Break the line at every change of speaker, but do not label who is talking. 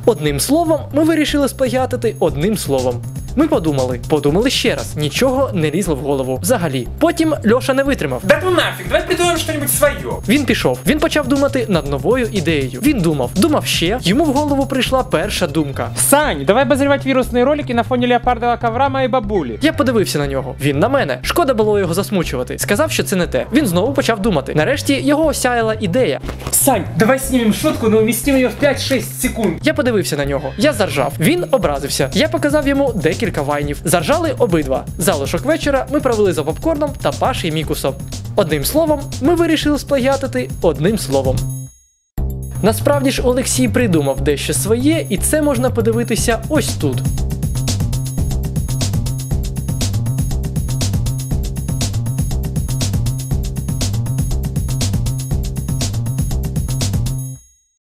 Одним словом, ми вирішили сплагіатити одним словом. Ми подумали ще раз, нічого не лізло в голову взагалі. Потім Льоша не витримав.
Да ну нафиг, давай придумаем что-нибудь свое.
Він пішов, він почав думати над новою ідеєю. Він думав ще, йому в голову прийшла перша думка.
Сань, давай обозревать вирусные ролики на фоне леопардового ковра моей бабули.
Я подивився на нього, він на мене. Шкода було його засмучувати. Сказав, що це не те. Він знову почав думати. Нарешті його осяяла ідея.
Сань, давай снимем шутку, но уместим ее в 5-6 секунд.
Я подивився на нього, я заржав. Він образився. Я показав йому декілька вайнів. Заржали обидва. Залишок вечора ми провели за попкорном та Паші Мікусом. Одним словом, ми вирішили сплагіатити одним словом. Насправді ж Олексій придумав дещо своє, і це можна подивитися ось тут.